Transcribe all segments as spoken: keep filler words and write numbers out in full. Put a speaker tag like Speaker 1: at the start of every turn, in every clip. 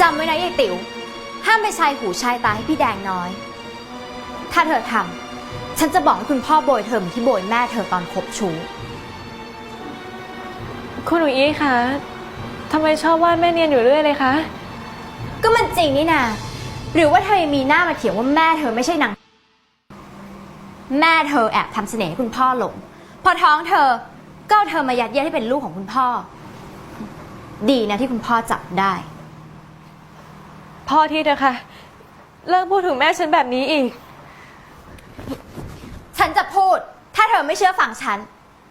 Speaker 1: จำไว้นะยายติ๋วห้ามไปชายหูชายตาให้พี่แดงน้อยถ้าเธอทำฉันจะบอกให้คุณพ่อโบยเธอเหมือนที่โบยแม่เธอตอนคบชู้
Speaker 2: คุณหนูอี้คะทำไมชอบว่าแม่เนียนอยู่เรื่อยเลยคะ
Speaker 1: ก็มันจริงนี่นาหรือว่าเธอยังมีหน้ามาเถียงว่าแม่เธอไม่ใช่นางแม่เธอแอบทำเสน่ห์ให้คุณพ่อหลงพอท้องเธอก็เอาเธอมายัดเยียดให้เป็นลูกของคุณพ่อดีนะที่คุณพ่อจับได้
Speaker 2: พ่อทีเถอะค่ะเลิกพูดถึงแม่ฉันแบบนี้อีก
Speaker 1: ฉันจะพูดถ้าเธอไม่เชื่อฟังฉัน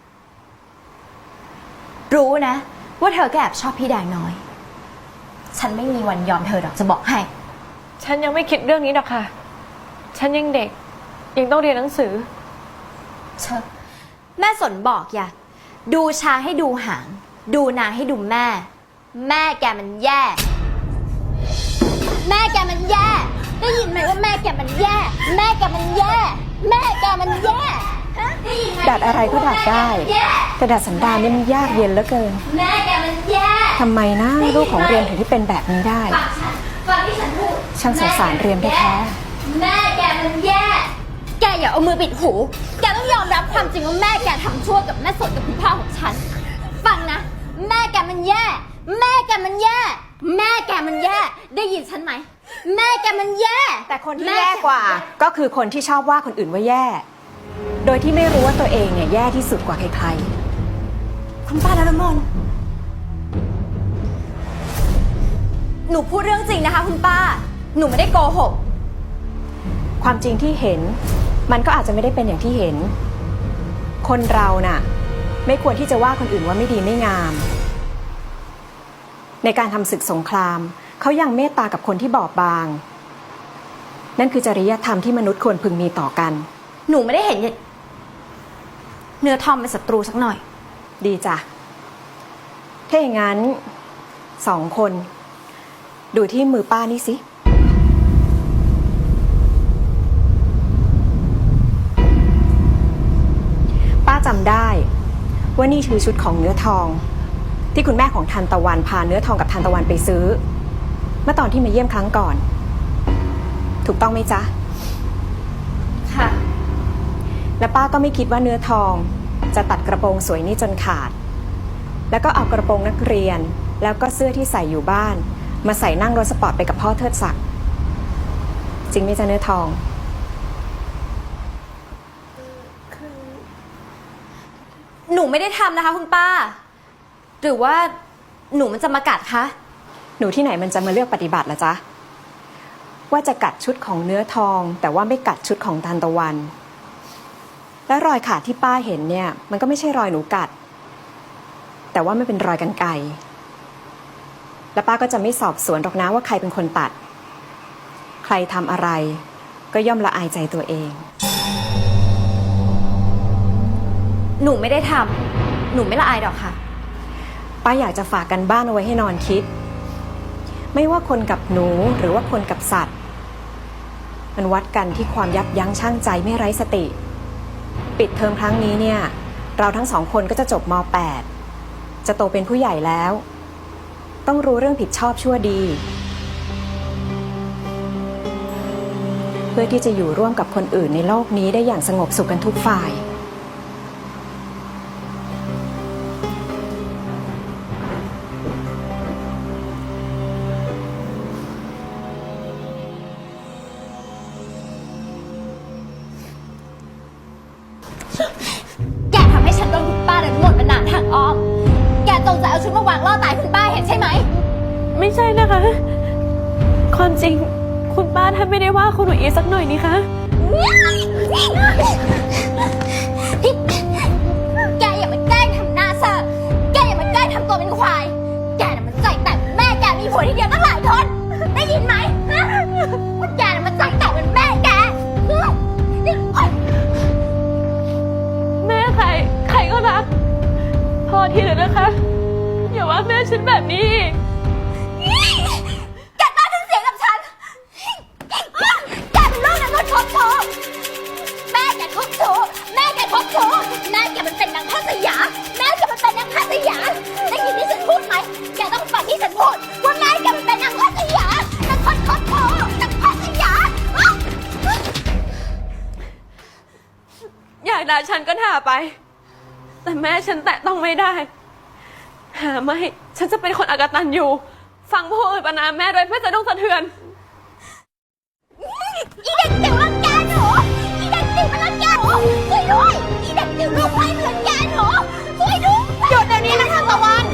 Speaker 1: รู้นะว่าเธอก็แอบชอบพี่แดงน้อยฉันไม่มีวันยอมเธอหรอกจะบอกให้
Speaker 2: ฉันยังไม่คิดเรื่องนี้หรอกค่ะฉันยังเด็กยังต้องเรียนหนังสือ
Speaker 1: เชอะแม่สนบอกอย่าดูช้างให้ดูหางดูนางให้ดูแม่แม่แกมันแย่แม่แกมันแย่ได้ยินไหมว่าแม่แกมันแย่แม่แกมันแย่แม่แกมันแย่
Speaker 3: ดัดอะไรก็ดัดได้แต่ดัดสันดานนี่มันยากเย็นเหลือเกิน
Speaker 1: แม่แกมันแย่
Speaker 3: ทำไมนะลูกของเรียมถึงที่เป็นแบบนี้ได้
Speaker 1: ฟังที่ฉันพูด
Speaker 3: ช่างสงสารเรียมแท้
Speaker 1: แม่แกมันแย่แกอย่าเอามือปิดหูแกต้องยอมรับความจริงว่าแม่แกทำชั่วกับแม่สดกับคุณพ่อของฉันฟังนะแม่แกมันแย่แม่แกมันแย่แม่แกมันแย่ได้ยินฉันไหมแม่แกมันแย่
Speaker 3: แต่คนที่แย่กว่าก็คือคนที่ชอบว่าคนอื่นว่าแย่โดยที่ไม่รู้ว่าตัวเองเนี่ยแย่ที่สุดกว่าใคร
Speaker 1: ๆคุณป้านรมนหนูพูดเรื่องจริงนะคะคุณป้าหนูไม่ได้โกหก
Speaker 3: ความจริงที่เห็นมันก็อาจจะไม่ได้เป็นอย่างที่เห็นคนเราน่ะไม่ควรที่จะว่าคนอื่นว่าไม่ดีไม่งามในการทำศึกสงครามเขายังเมตตากับคนที่บอบบางนั่นคือจริยธรรมที่มนุษย์ควรพึงมีต่อกัน
Speaker 1: หนูไม่ได้เห็นเนื้อทอมเป็นศัตรูสักหน่อย
Speaker 3: ดีจ้ะถ้าอย่างนั้นสองคนดูที่มือป้านี่สิป้าจำได้ว่านี่คือชุดของเนื้อทองที่คุณแม่ของทันตะวันพาเนื้อทองกับทันตะวันไปซื้อเมื่อตอนที่มาเยี่ยมครั้งก่อนถูกต้องไหมจ๊ะ
Speaker 1: ค่ะ
Speaker 3: และป้าก็ไม่คิดว่าเนื้อทองจะตัดกระโปรงสวยนี้จนขาดแล้วก็เอากระโปรงนักเรียนแล้วก็เสื้อที่ใส่อยู่บ้านมาใส่นั่งรถสปอร์ตไปกับพ่อเทิดศักดิ์จริงไหมจ๊ะเนื้อทอง
Speaker 1: หนูไม่ได้ทำนะคะคุณป้าหรือว่าหนูมันจะมากัดคะ
Speaker 3: หนูที่ไหนมันจะมาเลือกปฏิบัติล่ะจ๊ะว่าจะกัดชุดของเนื้อทองแต่ว่าไม่กัดชุดของทันตะวันและรอยขาดที่ป้าเห็นเนี่ยมันก็ไม่ใช่รอยหนูกัดแต่ว่าไม่เป็นรอยกรรไกรและป้าก็จะไม่สอบสวนหรอกนะว่าใครเป็นคนตัดใครทำอะไรก็ย่อมละอายใจตัวเอง
Speaker 1: หนูไม่ได้ทำหนูไม่ละอายหรอกค่ะ
Speaker 3: ป้าอยากจะฝากกันบ้านเอาไว้ให้นอนคิดไม่ว่าคนกับหนูหรือว่าคนกับสัตว์มันวัดกันที่ความยับยั้งชั่งใจไม่ไร้สติปิดเทอมครั้งนี้เนี่ยเราทั้งสองคนก็จะจบม.แปด จะโตเป็นผู้ใหญ่แล้วต้องรู้เรื่องผิดชอบชั่วดีเพื่อที่จะอยู่ร่วมกับคนอื่นในโลกนี้ได้อย่างสงบสุขกันทุกฝ่าย
Speaker 1: แกทำให้ฉันโดนคุณป้าเดินหมดมานานทางอ้อมแกจงใจเอาชุดมาวางล่อตายคุณป้าเห็นใช่ไหม
Speaker 2: ไม่ใช่นะคะความจริงคุณป้าท่านไม่ได้ว่าคุณหนูอีสักหน่อยนี่คะ
Speaker 1: แกอย่ามาแกล้งทำหน้าเซ่อแกอย่ามาแกล้งทำตัวเป็นควายแกน่ะมันใจแต่แม่แกมีผัวทีเดียวตั้งหลายคนได้ยินไหมว่าแกน่ะมันใจแต่เป็นแม่แก
Speaker 2: แม่ใครใครก็รักพอทีเถอะนะคะอย่าว่าแม่ฉันแบบนี้อีก
Speaker 1: แกกล้าขึ้นเสียงกับฉันแกเป็นลูกนางนวดคบชู้แม่แกคบชู้แม่แกคบชู้แม่แกมันเป็นนางข้าสยามแม่แกมันเป็นนางข้าสยามได้ยินที่ฉันพูดไหมแกต้องฟังที่ฉันพูดว่าแม่แกมันเป็นนางข้าสยาม
Speaker 2: อยากด่าฉันก็ด่าไป แต่แม่ฉันแตะต้องไม่ได้ หาไม่ ฉันจะเป็นคนอกตัญญูฟังผู้อื่นประนามแม่โดยเพื่อจะต้องสะเทือน
Speaker 1: อีเด็กจิ๋วรังแกหนูอีเด็กจิ๋วมันรังแกหนูช่วยด้วยอีเด็กจิ๋วลูกไพ่มันรังแกหนูช่วยด้วยหยุดเดี๋ยวนี้นะทางตะวัน